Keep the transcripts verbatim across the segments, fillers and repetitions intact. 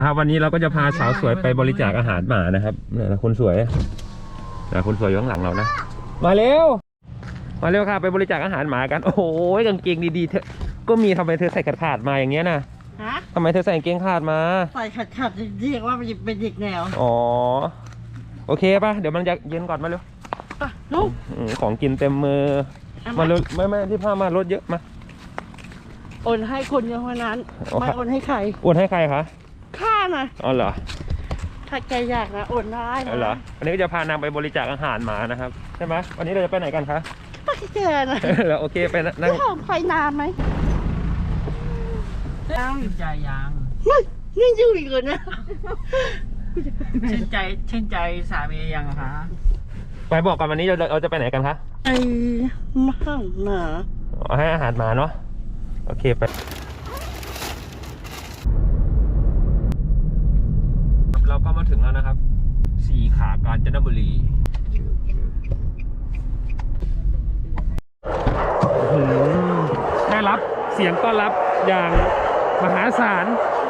ครับวันนี้เราก็จะพาสาวสวยไปบริจาคอาหารหมานะครับเนี่ยคนสวยนะคนสวยอยู่ข้างหลังเรานะมาเร็วมาเร็วค่ะไปบริจาคอาหารหมากันโอ้โหกางเกงดีๆเธอก็มีทำไมเธอใส่ขาดขาดมาอย่างเงี้ยนะฮะทำไมเธอใส่กางเกงขาดมาใส่ขาดขาดเรียกว่าเป็นเด็กแนวอ๋อโอเคป่ะเดี๋ยวมันจะเย็นก่อนมาเร็วลูกของกินเต็มมือมาเร็วไม่ไม่ที่ผ้ามารถเยอะมาโอนให้คนเดียวเท่านั้นไม่โอนให้ใครโอนให้ใครคะข้านะอ๋อเหรอถ้าแกอยากนะโอนได้นะเหรอวันนี้ก็จะพานางไปบริจาคอาหารหมานะครับใช่ไหมวันนี้เราจะไปไหนกันคะไปแกนะแล้วโอเคไปนั่งไปนานไหมยังชื่นใจยังนี่อยู่อีกเลยนะชื่นใจชื่นใจสามียังคะไปบอกกันวันนี้เราเราจะไปไหนกันคะไอ้หมาหมาให้อาหารหมาเนาะโอเคไปเราก็มาถึงแล้วนะครับสี่ขากาญจนบุรีได้รับเสียงต้อนรับอย่างมหาศาล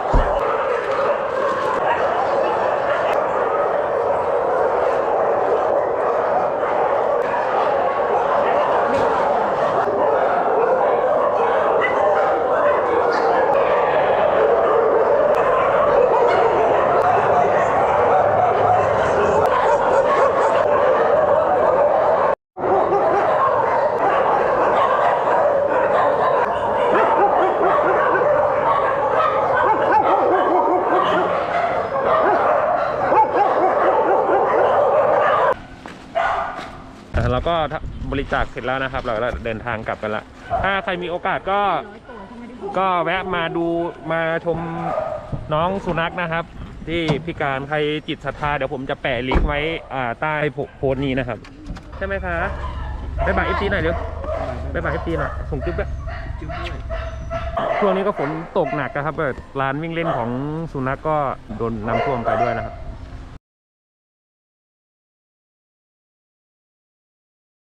เราก็บริจาคเสร็จแล้วนะครับเราเดินทางกลับกันละถ้าใครมีโอกาสก็ก็แวะมาดูมาชมน้องสุนัขนะครับที่พิการใครจิตศรัทธาเดี๋ยวผมจะแปะลิงก์ไว้ใต้โพสต์นี้นะครับใช่ไหมคะไปบ่ายเอฟซีหน่อยเร็วไปบ่ายเอฟซีหน่อยส่งจุ๊บด้วยช่วงนี้ก็ฝนตกหนักนะครับร้านวิ่งเล่นของสุนัขก็โดนน้ำท่วมไปด้วยนะครับ